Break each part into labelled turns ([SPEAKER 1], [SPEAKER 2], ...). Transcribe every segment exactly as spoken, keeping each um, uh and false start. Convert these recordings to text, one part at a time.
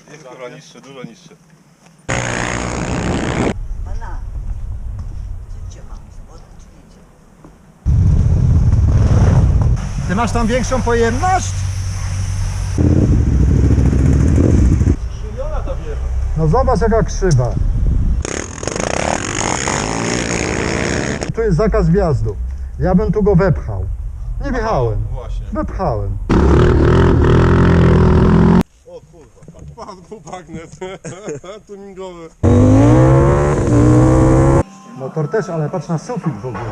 [SPEAKER 1] Jest kurwa niższy, dużo niższy.
[SPEAKER 2] Pana, gdzie cię mam? Złotę czy nie?
[SPEAKER 3] Ty masz tam większą pojemność?
[SPEAKER 1] Skrzywiona ta wieża.
[SPEAKER 3] No zobacz jaka krzywa. Tu jest zakaz wjazdu. Ja bym tu go wepchał. Nie wjechałem.
[SPEAKER 1] No właśnie.
[SPEAKER 3] Wepchałem.
[SPEAKER 1] O kurwa, padł bagnet. Tuningowy.
[SPEAKER 3] Motor też, ale patrz na sufit w ogóle.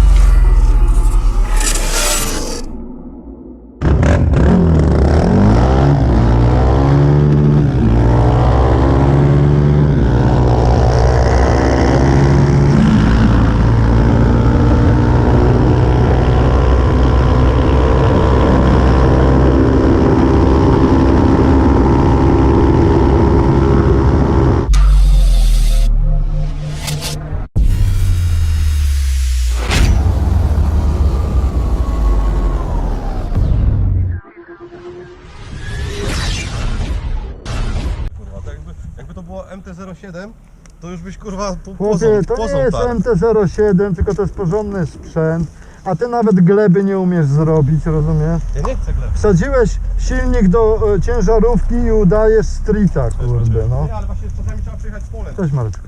[SPEAKER 1] M T zero siedem, to już byś kurwa po,
[SPEAKER 3] Chłopie, to nie jest M T zero siedem, tylko to jest porządny sprzęt. A ty nawet gleby nie umiesz zrobić, rozumiesz?
[SPEAKER 1] Ja nie chcę gleby.
[SPEAKER 3] Wsadziłeś silnik do e, ciężarówki i udajesz streeta, kurde, no.
[SPEAKER 1] Nie, ale właśnie czasami trzeba przyjechać z polem.
[SPEAKER 3] Cześć Mareczko.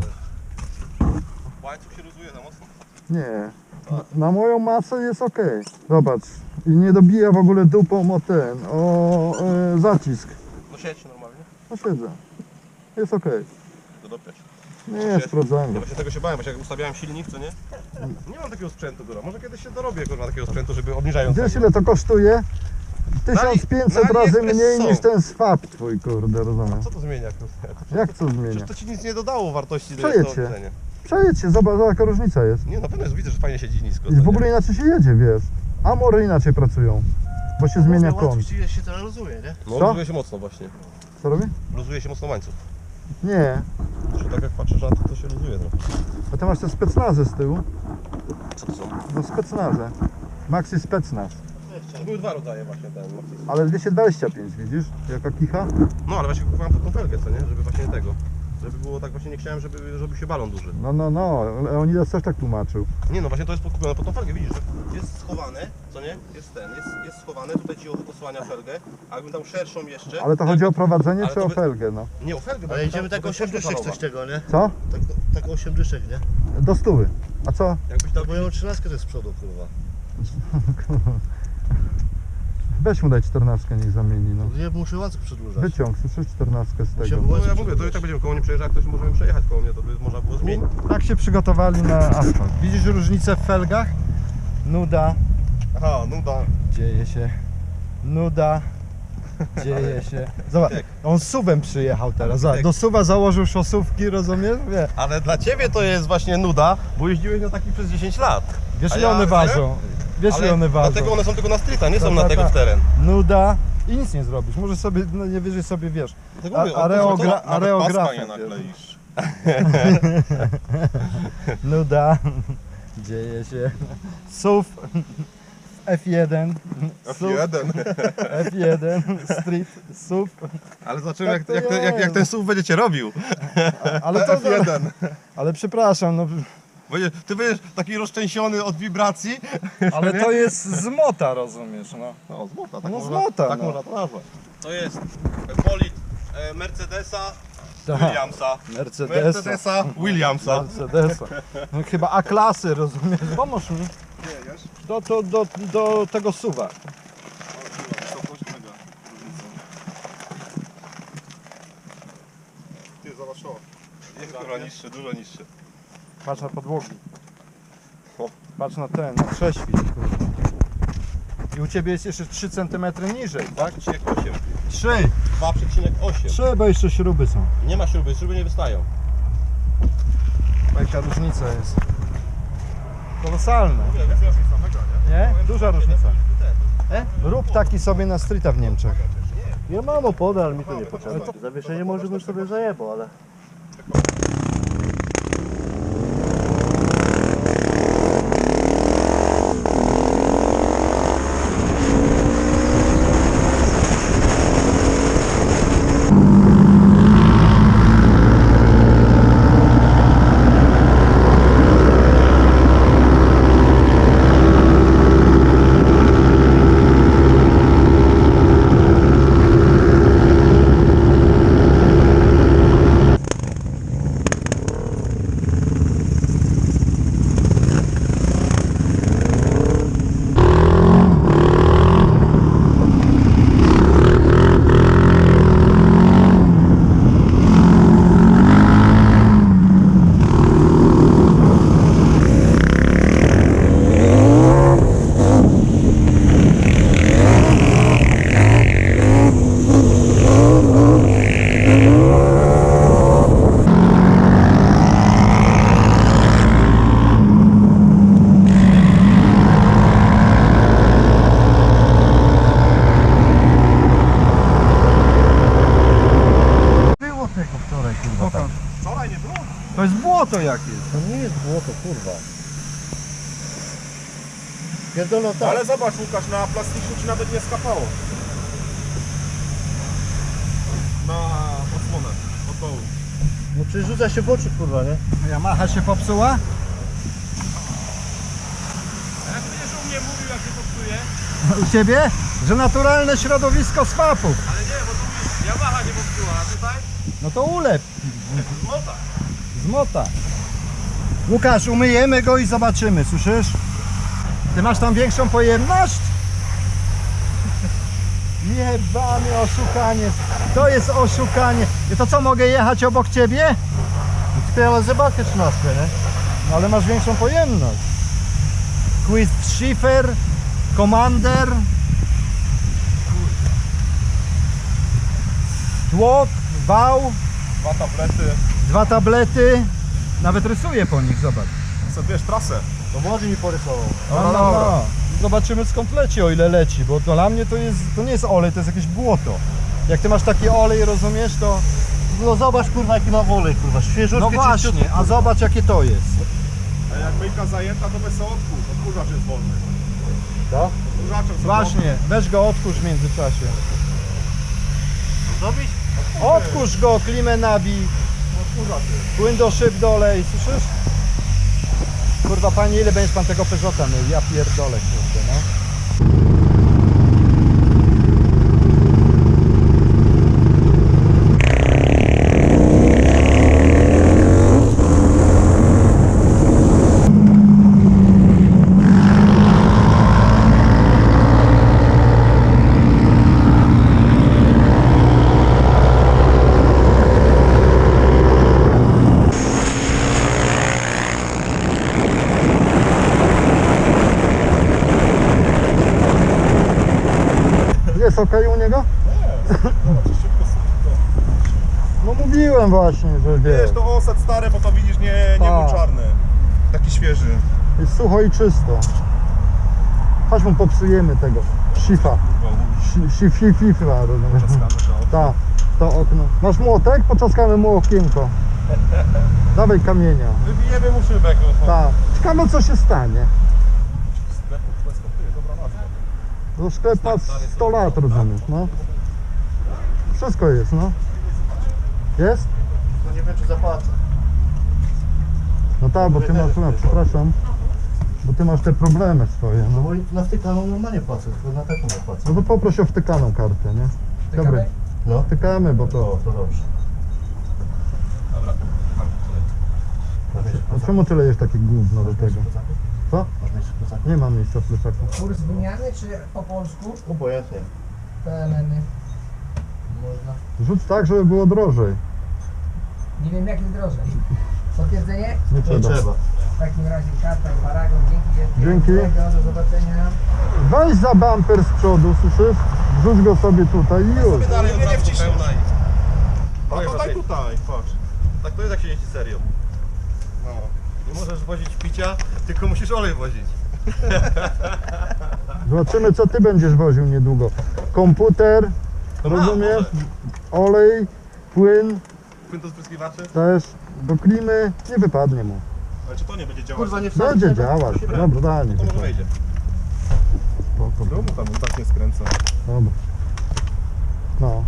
[SPEAKER 1] Łańcuch się rozuje za mocno.
[SPEAKER 3] Nie, na, na moją masę jest ok. Zobacz, i nie dobija w ogóle dupą o ten, o e, zacisk.
[SPEAKER 1] No siedź normalnie.
[SPEAKER 3] No siedzę. Jest ok.
[SPEAKER 1] To dopiero.
[SPEAKER 3] Nie, sprawdzałem
[SPEAKER 1] Ja
[SPEAKER 3] go.
[SPEAKER 1] właśnie tego się bałem, właśnie jak ustawiałem silnik, co nie? Nie mam takiego sprzętu, kurwa. Może kiedyś się dorobię, kurwa, takiego sprzętu, żeby obniżając.
[SPEAKER 3] Wiesz ile to kosztuje? tysiąc pięćset
[SPEAKER 1] na
[SPEAKER 3] razy
[SPEAKER 1] AliExpress
[SPEAKER 3] mniej
[SPEAKER 1] są.
[SPEAKER 3] niż ten swap twój, kurde, rozumiesz?
[SPEAKER 1] Co to zmienia, kurwa?
[SPEAKER 3] Jak co zmienia?
[SPEAKER 1] Przecież to ci nic nie dodało wartości do
[SPEAKER 3] Przejedź
[SPEAKER 1] do
[SPEAKER 3] się.
[SPEAKER 1] obniżenia.
[SPEAKER 3] Przejedź się, zobacz jaka różnica jest.
[SPEAKER 1] Nie, na pewno jest, widzę, że fajnie siedzi nisko.
[SPEAKER 3] I w ogóle inaczej się jedzie, wiesz. Amory inaczej pracują, bo się zmienia kąt.
[SPEAKER 4] się to luzuje, nie?
[SPEAKER 1] No,
[SPEAKER 3] Co?
[SPEAKER 1] luzuje się mocno właśnie.
[SPEAKER 3] Co robi?
[SPEAKER 1] Luzuje się mocno łańcuch.
[SPEAKER 3] Nie.
[SPEAKER 1] Że tak jak patrzysz na to, to się luzuje trochę.
[SPEAKER 3] A ty masz te specnazy z tyłu?
[SPEAKER 1] Co to są?
[SPEAKER 3] No specnazy. Maxi specnaz.
[SPEAKER 1] To były dwa rodzaje właśnie ten.
[SPEAKER 3] Ale dwieście dwadzieścia pięć, widzisz? Jaka kicha?
[SPEAKER 1] No, ale właśnie kupowałem pod tą felgę, co nie? Żeby właśnie tego. Żeby było tak, właśnie nie chciałem, żeby, żeby się balon duży.
[SPEAKER 3] No, no, no. Leonidas też tak tłumaczył.
[SPEAKER 1] Nie no, właśnie to jest podkupione pod tą felgę, widzisz, że jest schowane, co nie? Jest ten, jest, jest schowane, tutaj ci osłania felgę, a jakbym tam szerszą jeszcze...
[SPEAKER 3] Ale to chodzi o prowadzenie
[SPEAKER 1] Ale
[SPEAKER 3] czy
[SPEAKER 1] to
[SPEAKER 3] o
[SPEAKER 1] by-
[SPEAKER 3] felgę, no?
[SPEAKER 1] Nie, o felgę, bo
[SPEAKER 4] Ale
[SPEAKER 1] tam-
[SPEAKER 4] idziemy
[SPEAKER 1] to
[SPEAKER 4] tak
[SPEAKER 1] jest
[SPEAKER 4] osiem dyszek
[SPEAKER 1] metalowa.
[SPEAKER 4] coś tego, nie?
[SPEAKER 3] Co?
[SPEAKER 4] Tak, tak osiem dyszek, nie?
[SPEAKER 3] Do stówy. A co?
[SPEAKER 1] Jakbyś tam...
[SPEAKER 4] Bo ja mam trzynastkę też z przodu, kurwa.
[SPEAKER 3] Weź mu daj czternastkę, niech zamieni, no.
[SPEAKER 4] Nie muszę łańcuch przedłużać.
[SPEAKER 3] Wyciąg, słyszysz czternastkę z
[SPEAKER 4] Muszę
[SPEAKER 3] tego.
[SPEAKER 4] było-
[SPEAKER 1] No ja mówię, to i tak będziemy koło mnie przejeżdżać, jak ktoś możemy przejechać koło mnie, to by można było zmienić.
[SPEAKER 3] Tak się przygotowali na asfalt. Widzisz różnicę w felgach? Nuda,
[SPEAKER 1] Aha, no da.
[SPEAKER 3] dzieje się. Nuda, dzieje się. Zobacz,
[SPEAKER 1] Tak.
[SPEAKER 3] on suwem przyjechał teraz. Zobacz,
[SPEAKER 1] Tak.
[SPEAKER 3] do suwa założył szosówki, rozumiesz? Wie.
[SPEAKER 1] Ale dla ciebie to jest właśnie nuda, bo jeździłeś na takich przez dziesięć lat.
[SPEAKER 3] Wiesz
[SPEAKER 1] A
[SPEAKER 3] ile
[SPEAKER 1] ja-
[SPEAKER 3] one ważą? Wiesz ile
[SPEAKER 1] Ale
[SPEAKER 3] one ważą?
[SPEAKER 1] dlatego one są tylko na streeta, nie są
[SPEAKER 3] Tak,
[SPEAKER 1] na
[SPEAKER 3] tak,
[SPEAKER 1] tego
[SPEAKER 3] tak.
[SPEAKER 1] w teren.
[SPEAKER 3] Nuda i nic nie zrobisz. Może sobie, no nie wyżej sobie wiesz.
[SPEAKER 1] Dlatego
[SPEAKER 3] A-
[SPEAKER 1] mówię,
[SPEAKER 3] areogra-
[SPEAKER 1] to- to- nawet
[SPEAKER 3] areografem,
[SPEAKER 1] paska nie
[SPEAKER 3] wiesz.
[SPEAKER 1] nakleisz.
[SPEAKER 3] Nuda, dzieje się. Suw, F jeden,
[SPEAKER 1] F
[SPEAKER 3] suw,
[SPEAKER 1] jeden.
[SPEAKER 3] F jeden, street, suw.
[SPEAKER 1] Ale zobaczymy
[SPEAKER 3] Tak
[SPEAKER 1] jak,
[SPEAKER 3] to
[SPEAKER 1] jak, ten, jak, jak
[SPEAKER 3] jest.
[SPEAKER 1] ten S U V będzie cię robił.
[SPEAKER 3] Ale to,
[SPEAKER 1] F jeden.
[SPEAKER 3] ale przepraszam, no,
[SPEAKER 1] Będzie, ty będziesz taki rozczęsiony od wibracji.
[SPEAKER 3] ale to jest z mota, rozumiesz, no.
[SPEAKER 1] No z mota, tak
[SPEAKER 3] No z
[SPEAKER 1] można,
[SPEAKER 3] mota,
[SPEAKER 1] tak
[SPEAKER 3] no.
[SPEAKER 1] można to nazwać. To jest bolid e, Mercedesa
[SPEAKER 3] Tak.
[SPEAKER 1] Williamsa.
[SPEAKER 3] Mercedesa.
[SPEAKER 1] Mercedesa Williamsa.
[SPEAKER 3] Mercedesa. No, chyba A-klasy, rozumiesz? Pomóż mi. Do, do, do, do tego suwa.
[SPEAKER 1] Ty zobacz o. Jest kurwa niższy, dużo niższy.
[SPEAKER 3] Patrz na podłogi.
[SPEAKER 1] O.
[SPEAKER 3] Patrz na ten, na prześwit. kurde. I u Ciebie jest jeszcze trzy centymetry niżej, tak?
[SPEAKER 1] dwa przecinek osiem.
[SPEAKER 3] trzy!
[SPEAKER 1] dwa przecinek osiem.
[SPEAKER 3] trzy, bo jeszcze śruby są.
[SPEAKER 1] Nie ma śruby, śruby nie wystają.
[SPEAKER 3] Jaka różnica jest. Kolosalna. Nie? Duża różnica. E? Rób taki sobie na streeta w Niemczech.
[SPEAKER 4] Ja mam opony, ale mi to nie potrzebne. Zawieszenie może bym sobie zajebał, ale...
[SPEAKER 3] błoto jakieś.
[SPEAKER 4] To nie jest błoto, kurwa. Pierdolą tak.
[SPEAKER 1] Ale zobacz Łukasz, na plastiku ci nawet nie skapało. Na osłonę, od dołu.
[SPEAKER 4] No przecież rzuca się w oczy, kurwa, nie?
[SPEAKER 3] Yamaha się popsuła?
[SPEAKER 1] Jak będziesz u mnie mówił, jak się popsuje,
[SPEAKER 3] U ciebie? Że naturalne środowisko swapów.
[SPEAKER 1] ale nie, bo tu mówisz, Yamaha nie popsuła, a tutaj?
[SPEAKER 3] No to ulep.
[SPEAKER 1] Złota.
[SPEAKER 3] Zmota. Łukasz, umyjemy go i zobaczymy, słyszysz? Ty masz tam większą pojemność? Jebany oszukanie. To jest oszukanie. I to co, mogę jechać obok ciebie?
[SPEAKER 4] Ty, ale zobaczcie trzynastkę, nie?
[SPEAKER 3] No ale masz większą pojemność. Quiz Schiffer, Commander. Tłok, wał,
[SPEAKER 1] Dwa tablety.
[SPEAKER 3] dwa tablety. Nawet rysuję po nich, zobacz.
[SPEAKER 1] Co wiesz, trasę.
[SPEAKER 4] To młodzi mi porysował.
[SPEAKER 3] No, no, no. Zobaczymy skąd leci, o ile leci, bo to dla mnie to jest, to nie jest olej, to jest jakieś błoto. Jak ty masz taki olej, rozumiesz, to...
[SPEAKER 4] No zobacz, kurwa, jaki ma wolej, kurwa. Świeżutki,
[SPEAKER 3] No właśnie, a zobacz jakie to jest.
[SPEAKER 1] A jak myjka zajęta, to bez odkurz. Odkurzacz jest wolny.
[SPEAKER 3] To?
[SPEAKER 1] Odkurzaczem sobie
[SPEAKER 3] Właśnie, weź go odkurz w międzyczasie.
[SPEAKER 4] Zrobić?
[SPEAKER 3] Odkurz go, klimę nabij,
[SPEAKER 1] odkurzacz jest.
[SPEAKER 3] płyn do szyb dolej, słyszysz? Kurwa panie, ile będziesz pan tego Peugeota mył? Ja pierdolę, kurde, no. Jest okej u niego? No mówiłem właśnie, że
[SPEAKER 1] Wiesz,
[SPEAKER 3] wiesz.
[SPEAKER 1] to osad stary, bo to widzisz, nie, nie
[SPEAKER 3] Tak.
[SPEAKER 1] był czarny. Taki świeży.
[SPEAKER 3] Jest sucho i czysto. Chodź mu popsujemy tego. Shifa. Shifa, rozumiesz? Tak, to okno. Masz młotek? Poczaskamy mu okienko. Dawaj kamienia.
[SPEAKER 1] Wybijemy mu szybek. No.
[SPEAKER 3] Tak. Ciekawe co się stanie.
[SPEAKER 1] Sklepów bez kopyry, dobra nazwa.
[SPEAKER 3] No sklep ma sto lat, rozumiesz, no. Wszystko jest, no. Jest?
[SPEAKER 4] No nie wiem, czy zapłacę.
[SPEAKER 3] No tak, bo ty masz, no, przepraszam, bo ty masz te problemy swoje,
[SPEAKER 4] No
[SPEAKER 3] no.
[SPEAKER 4] bo na wtykaną normalnie płacę, tylko na taką nie płacę.
[SPEAKER 3] No to poproś o wtykaną kartę, nie? Dobry.
[SPEAKER 4] No.
[SPEAKER 3] Wtykamy, bo
[SPEAKER 4] O,
[SPEAKER 3] to...
[SPEAKER 4] to dobrze.
[SPEAKER 1] Dobra.
[SPEAKER 3] A czemu ty lejesz takie gówno do tego? Co?
[SPEAKER 4] Można jeszcze plecak?
[SPEAKER 3] Nie mam miejsca w plecaku.
[SPEAKER 2] Kurs wymiany czy po polsku?
[SPEAKER 4] Obojętnie.
[SPEAKER 2] P L N-y. Można.
[SPEAKER 3] Rzuć tak, żeby było drożej.
[SPEAKER 2] Nie wiem jak jest drożej. Potwierdzenie?
[SPEAKER 3] Nie
[SPEAKER 4] Nie
[SPEAKER 3] trzeba.
[SPEAKER 4] trzeba.
[SPEAKER 2] W takim razie karta i paragon. Dzięki wielkie.
[SPEAKER 3] Dzięki.
[SPEAKER 2] Miłego, do zobaczenia.
[SPEAKER 3] Weź za bumper z przodu, słyszysz? Wrzuć go sobie tutaj i już.
[SPEAKER 1] Dalej nie, nie wciśnij.
[SPEAKER 5] No
[SPEAKER 1] A
[SPEAKER 5] to
[SPEAKER 1] to
[SPEAKER 5] daj
[SPEAKER 1] daj tutaj, patrz.
[SPEAKER 5] Tak to jest jak się jeździ serio.
[SPEAKER 1] No.
[SPEAKER 5] Nie możesz wozić picia, tylko musisz olej wozić.
[SPEAKER 3] Zobaczymy co ty będziesz woził niedługo. Komputer,
[SPEAKER 5] To mam,
[SPEAKER 3] rozumiesz?
[SPEAKER 5] może.
[SPEAKER 3] Olej, płyn
[SPEAKER 5] Płyn do spryskiwaczy.
[SPEAKER 3] też, do klimy, nie wypadnie mu.
[SPEAKER 1] Ale czy to nie będzie działać?
[SPEAKER 4] Kurwa, nie wsadzi
[SPEAKER 3] Będzie
[SPEAKER 4] tego.
[SPEAKER 3] działać, dobra, daj mi
[SPEAKER 5] To może
[SPEAKER 3] to.
[SPEAKER 5] wejdzie.
[SPEAKER 3] Spoko.
[SPEAKER 1] No mu tam on tak nie skręca.
[SPEAKER 3] Dobra. No.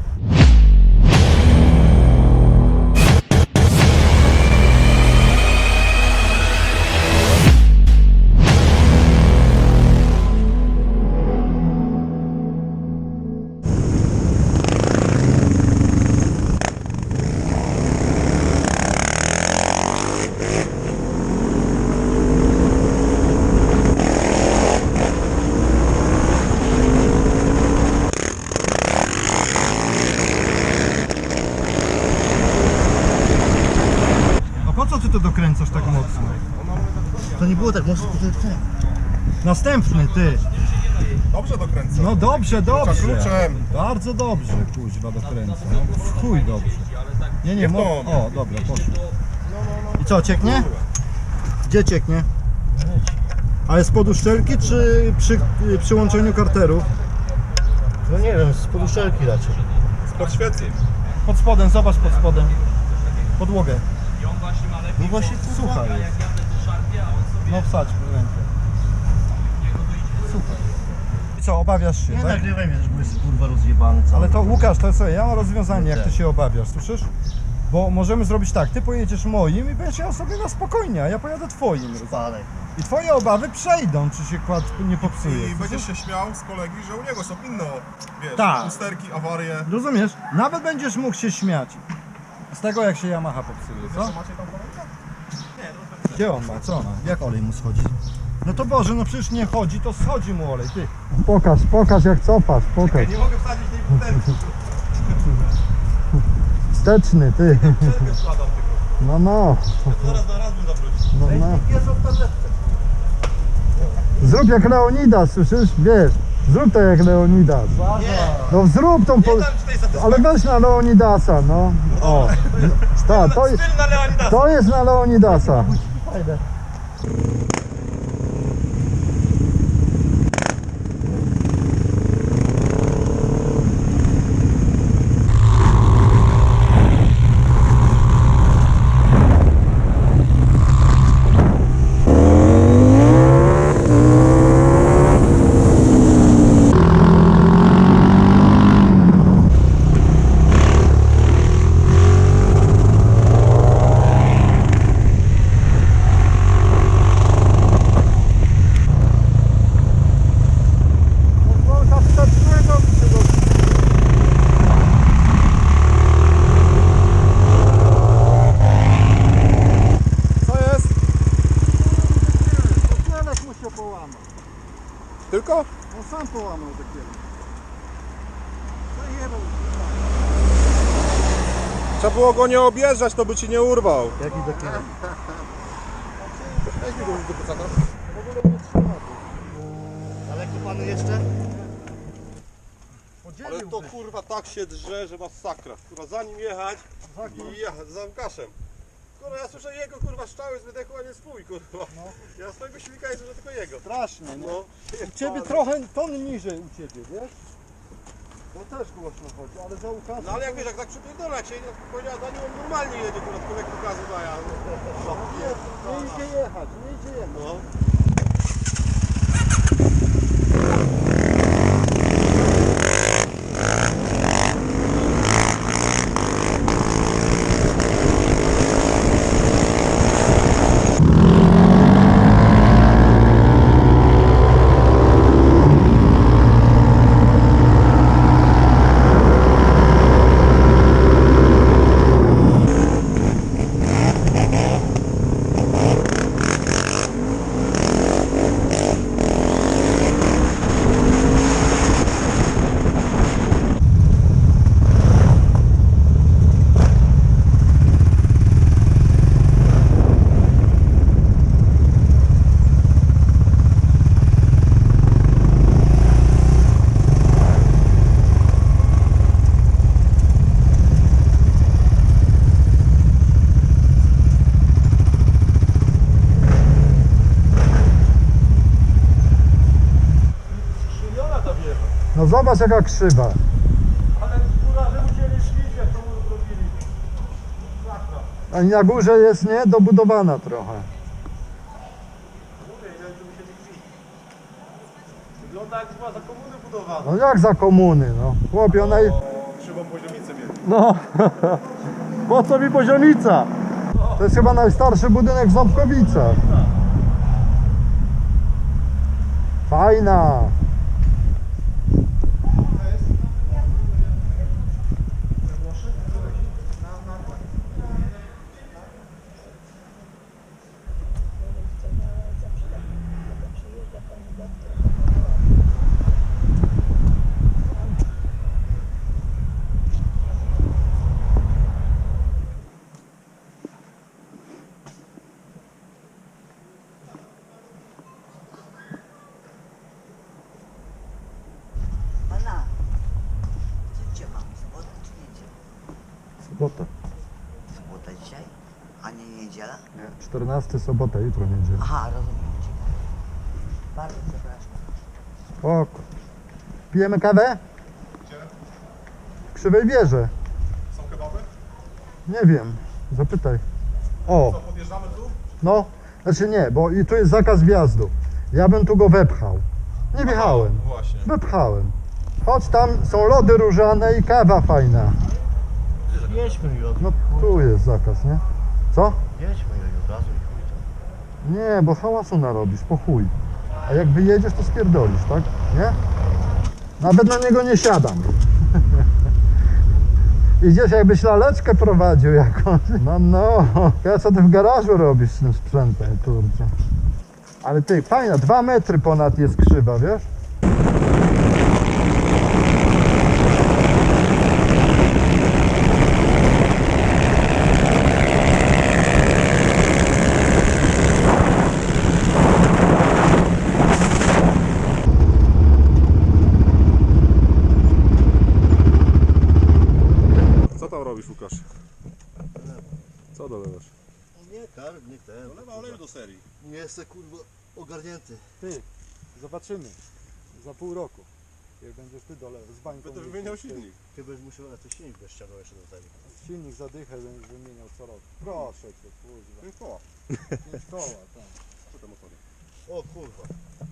[SPEAKER 3] A po co ty to dokręcasz tak mocno?
[SPEAKER 4] To nie było tak mocno, to tak.
[SPEAKER 3] Następny ty.
[SPEAKER 1] Dobrze dokręca.
[SPEAKER 3] No dobrze, dobrze.
[SPEAKER 1] kluczem.
[SPEAKER 3] Bardzo dobrze, kuźwa dokręca. No, w chuj dobrze. Nie, nie,
[SPEAKER 1] Nie
[SPEAKER 3] mo...
[SPEAKER 1] to.
[SPEAKER 3] O, dobra, poszło. I co, cieknie? Gdzie cieknie? Ale z poduszczelki czy przy y, przyłączeniu karterów?
[SPEAKER 4] No nie wiem, z poduszczelki raczej.
[SPEAKER 1] Z podświetlic.
[SPEAKER 3] Pod spodem, zobacz pod spodem. Podłogę.
[SPEAKER 6] I on właśnie ma lepiej.
[SPEAKER 3] No właśnie
[SPEAKER 6] bo
[SPEAKER 3] sucha
[SPEAKER 6] jak
[SPEAKER 3] jest.
[SPEAKER 6] ja wtedy szarpię, a on sobie
[SPEAKER 3] No wsadź w rękę.
[SPEAKER 6] niego to idzie.
[SPEAKER 3] Super. I co, obawiasz się,
[SPEAKER 4] Nie
[SPEAKER 3] tak?
[SPEAKER 4] nagrywaj mnie, też bo jest kurwa rozjebany cały.
[SPEAKER 3] Ale to Łukasz, to co, ja mam rozwiązanie, jak ty się obawiasz, słyszysz? Bo możemy zrobić tak, ty pojedziesz moim i będziesz jechał sobie na spokojnie, a ja pojadę twoim.
[SPEAKER 4] Spadaj.
[SPEAKER 3] I twoje obawy przejdą, czy się kład nie popsuje.
[SPEAKER 5] I
[SPEAKER 3] słyszysz?
[SPEAKER 5] będziesz się śmiał z kolegi, że u niego są inne, wiesz,
[SPEAKER 3] Tak.
[SPEAKER 5] usterki, awarie.
[SPEAKER 3] Rozumiesz? Nawet będziesz mógł się śmiać z tego, jak się Yamaha popsuje, co?
[SPEAKER 5] Macie tam kolejkę?
[SPEAKER 3] Gdzie on ma? Co on ma? Jak olej mu schodzi? No to Boże, no przecież nie chodzi, to schodzi mu olej, ty. Pokaż, pokaż jak cofasz, pokaż.
[SPEAKER 5] Nie mogę wsadzić tej butelki.
[SPEAKER 3] Wsteczny, ty.
[SPEAKER 5] Przerwę składam tylko.
[SPEAKER 3] No, no.
[SPEAKER 5] Zaraz na raz bym zawrócił.
[SPEAKER 3] no, no. Zrób jak Leonidas, słyszysz? Wiesz, zrób to jak Leonidas. No zrób tą... Po...
[SPEAKER 5] Nie dam ci tej satysfakcji.
[SPEAKER 3] Ale weź na Leonidasa, no. O. Ta, to,
[SPEAKER 5] Styl na Leonidasa.
[SPEAKER 3] to jest na Leonidasa.
[SPEAKER 5] Tylko?
[SPEAKER 3] On sam połamał dopiero.
[SPEAKER 5] Trzeba było go nie objeżdżać, to by ci nie urwał.
[SPEAKER 4] Jaki taki?
[SPEAKER 5] Weź mi go już do plecaka.
[SPEAKER 4] Ale tu panu jeszcze?
[SPEAKER 5] Ale to kurwa tak się drze, że masakra. Kurwa za nim jechać i ja za Łukaszem. Kurwa ja słyszę jego kurwa szczały z wydechu, a nie swój kurwa. Ja swojego silnika jest, że tylko jego.
[SPEAKER 3] Strasznie, no.
[SPEAKER 5] No.
[SPEAKER 3] U ciebie trochę ton niżej u ciebie, wiesz? To też głośno chodzi, ale za Łukasza...
[SPEAKER 5] No ale jak wiesz, jak tak przypierdolę, jak się powiedziała za nim, on normalnie jedzie kurwa, tylko jak pokazu daje. No.
[SPEAKER 3] Nie, nie idzie jechać, nie idzie jechać.
[SPEAKER 5] No.
[SPEAKER 3] No zobacz jaka krzywa.
[SPEAKER 5] Ale kurwa, że musieli szlić, jak to mu zrobili. Sakra.
[SPEAKER 3] A na górze jest, nie? Dobudowana trochę.
[SPEAKER 5] Mówię, ile tu musieli szlić. Wygląda jak była za komuny budowana.
[SPEAKER 3] No jak za komuny, no. Chłopie, ona... i-
[SPEAKER 5] Krzywą poziomicę mieli.
[SPEAKER 3] No. Po co mi poziomica? To jest chyba najstarszy budynek w Ząbkowicach. Fajna.
[SPEAKER 2] Pana, gdzie mam? Sobotę czy niedzielę?
[SPEAKER 3] Sobota.
[SPEAKER 2] Sobota dzisiaj? A nie niedziela?
[SPEAKER 3] Nie, czternasta sobota, jutro niedziela.
[SPEAKER 2] Aha, rozumiem cię. Bardzo przepraszam.
[SPEAKER 3] Spoko. Pijemy kawę?
[SPEAKER 5] Gdzie?
[SPEAKER 3] W Krzywej Wieży.
[SPEAKER 5] Są kebaby?
[SPEAKER 3] Nie wiem, zapytaj. O,
[SPEAKER 5] Co, podjeżdżamy tu?
[SPEAKER 3] no, znaczy nie, bo i tu jest zakaz wjazdu. Ja bym tu go wepchał. Nie wjechałem,
[SPEAKER 5] Właśnie.
[SPEAKER 3] wepchałem. Chodź, tam są lody różane i kawa fajna.
[SPEAKER 4] Jedźmy i od...
[SPEAKER 3] No tu jest zakaz, nie? Co?
[SPEAKER 4] Jedźmy i od razu i chuj tam.
[SPEAKER 3] Nie, bo hałasu narobisz, po chuj. A jak wyjedziesz, to spierdolisz, tak? Nie? Nawet na niego nie siadam. Idziesz, jakbyś laleczkę prowadził jakąś. No, no. Ja co ty w garażu robisz z tym sprzętem, kurczę. Ale ty, fajna, dwa metry ponad jest krzywa, wiesz?
[SPEAKER 5] Co tam robisz, Łukasz? Co dolewasz?
[SPEAKER 4] Nie karb, nie ten.
[SPEAKER 5] Dolewa oleju do serii.
[SPEAKER 4] Nie jestem kurwa ogarnięty.
[SPEAKER 3] Ty, zobaczymy. Za pół roku. Jak będziesz ty dole z bańką.
[SPEAKER 5] Będę wymieniał silnik.
[SPEAKER 4] Ty będziesz musiał na to silnik bez ściągnął jeszcze do tego.
[SPEAKER 3] Silnik zadychę będziesz wymieniał co roku. Proszę cię, kurwa.
[SPEAKER 5] Pięć koła.
[SPEAKER 3] Pięć koła, tak.
[SPEAKER 5] Co te motory?
[SPEAKER 4] O kurwa.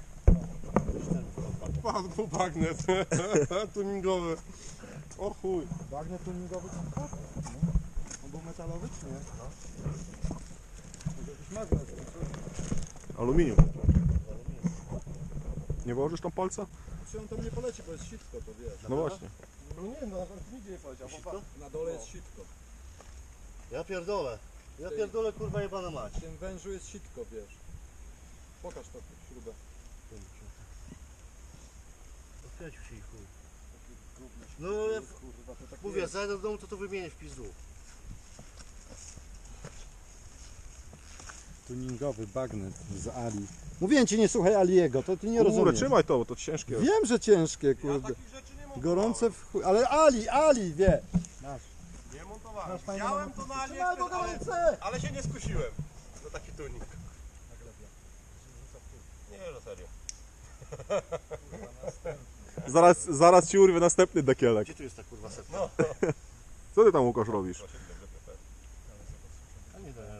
[SPEAKER 5] Pan był bagnet. Tuningowy. O chuj.
[SPEAKER 3] Bagnet tuningowy tam tak? On był metalowy czy nie? No. Może jakiś magnes.
[SPEAKER 5] Aluminium. Nie włożysz tam palca?
[SPEAKER 3] Czy on tam nie poleci, bo jest sitko, to wiesz.
[SPEAKER 5] No właśnie.
[SPEAKER 1] No nie, no nigdzie nie poleciał.
[SPEAKER 4] Sitko?
[SPEAKER 1] Na dole jest sitko.
[SPEAKER 4] Ja pierdolę. Ja pierdolę kurwa jebana mać.
[SPEAKER 3] W tym wężu jest sitko, wiesz. Pokaż to śrubę.
[SPEAKER 4] Odkręcił się i chuj. No ja
[SPEAKER 3] Kurwa, to tak
[SPEAKER 4] mówię, zajdę do domu to to wymienię w pizdu.
[SPEAKER 3] tuningowy bagnet z Ali. Mówiłem ci, nie słuchaj Aliego, to ty nie
[SPEAKER 5] Kurde,
[SPEAKER 3] rozumiesz.
[SPEAKER 5] trzymaj to, bo to ciężkie.
[SPEAKER 3] Wiem, że ciężkie,
[SPEAKER 5] Ja
[SPEAKER 3] kurde.
[SPEAKER 5] takich rzeczy nie montowałem.
[SPEAKER 3] Gorące w chuj, ale Ali, Ali wie. Masz.
[SPEAKER 5] Nie montowałem.
[SPEAKER 3] Masz fajne
[SPEAKER 5] Widziałem to na
[SPEAKER 3] Trzymaj, bo
[SPEAKER 5] AliExpress, ale,
[SPEAKER 3] gorące!
[SPEAKER 5] ale się nie skusiłem na taki tuning. Nie, no serio. Zaraz, zaraz ci urwie następny dekielek.
[SPEAKER 4] Gdzie tu jest ta kurwa setka?
[SPEAKER 5] Co ty tam, Łukasz, robisz?
[SPEAKER 4] A nie da.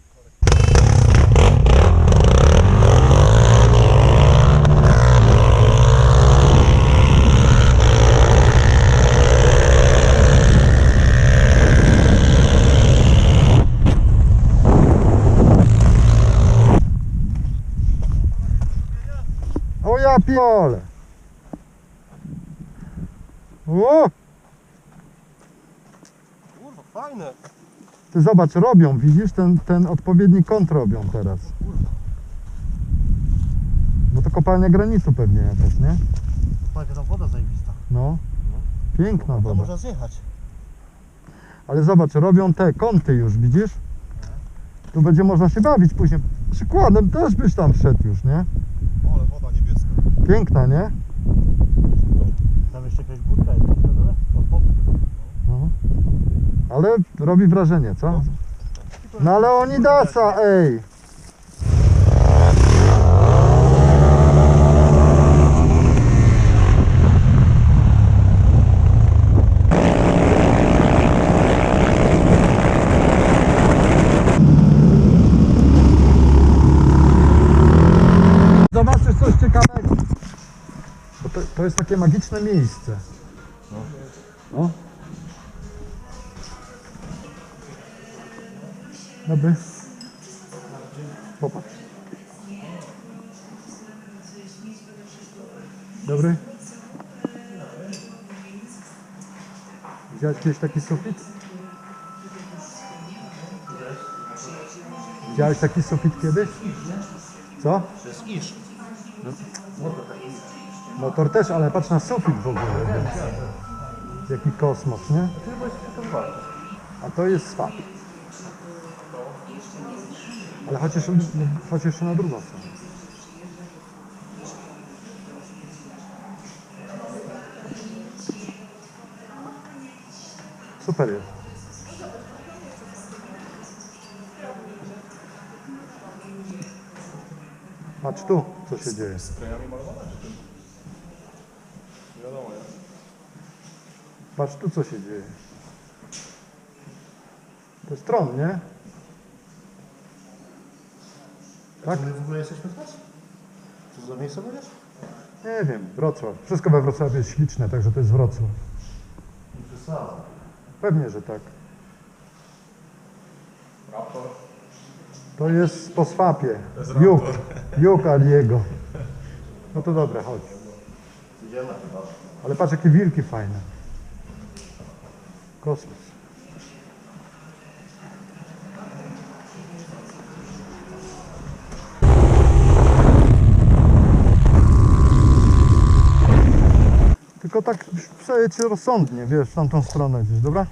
[SPEAKER 3] O ja piole. O!
[SPEAKER 5] Kurwa, fajne.
[SPEAKER 3] Ty zobacz, robią, widzisz? Ten, ten odpowiedni kąt robią teraz. Bo to kopalnia granitu pewnie jakaś, nie?
[SPEAKER 4] Patrz, tam woda zajebista.
[SPEAKER 3] No. Piękna
[SPEAKER 4] Tam
[SPEAKER 3] woda.
[SPEAKER 4] można zjechać.
[SPEAKER 3] Ale zobacz, robią te kąty już, widzisz? Tu będzie można się bawić później. Przykładem też byś tam wszedł już, nie?
[SPEAKER 5] Ale woda niebieska.
[SPEAKER 3] Piękna, nie?
[SPEAKER 4] Tam jeszcze jakaś budka jest na dole? Od boku.
[SPEAKER 3] No. Ale robi wrażenie, co? No ale oni dasa, ej! Zobaczysz coś ciekawego. Bo to, to jest takie magiczne miejsce. No. Dobry. Popatrz. Dobry. Widziałeś kiedyś taki sufit? Widziałeś taki sufit kiedyś? Co?
[SPEAKER 6] To jest iż.
[SPEAKER 3] Motor też, ale patrz na sufit w ogóle. Jaki kosmos, nie? A to jest swap. Ale chodź jeszcze, chodź jeszcze na drugą stronę. Super jest. Patrz tu, co się dzieje.
[SPEAKER 5] Sprayami malowane, czy tym? Nie wiadomo, nie?
[SPEAKER 3] Patrz tu, co się dzieje. To jest tron, nie? Tak?
[SPEAKER 4] My w ogóle jesteśmy teraz? Co za miejsce będziesz?
[SPEAKER 3] Nie wiem, Wrocław. Wszystko we Wrocławiu jest śliczne, także to jest Wrocław.
[SPEAKER 4] Nie przesadzam.
[SPEAKER 3] Pewnie, że tak. To jest po swapie. Juk. Juk Aliego. No to dobra, chodź.
[SPEAKER 4] Idziemy chyba.
[SPEAKER 3] Ale patrz, jakie wilki fajne. Kosmos. Tylko tak przejedź rozsądnie, wiesz, w tamtą stronę gdzieś, dobra?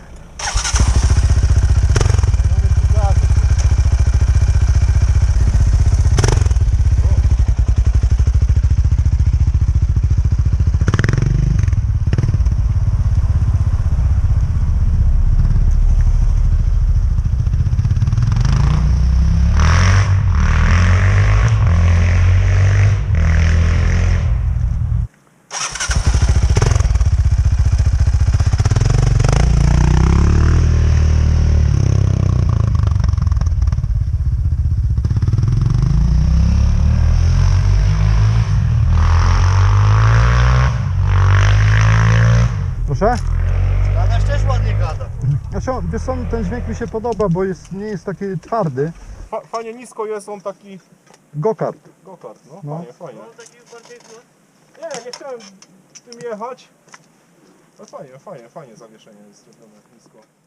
[SPEAKER 3] Proszę?
[SPEAKER 4] Adaś też ładnie gada.
[SPEAKER 3] Znaczy, wiesz co, ten dźwięk mi się podoba, bo jest, nie jest taki twardy.
[SPEAKER 5] Fa fajnie nisko jest, on taki
[SPEAKER 3] Go-kart.
[SPEAKER 5] go-kart, no,
[SPEAKER 3] No.
[SPEAKER 5] fajnie, fajnie. Nie, nie chciałem tym jechać. Ale fajnie, fajnie, fajnie zawieszenie jest zrobione nisko.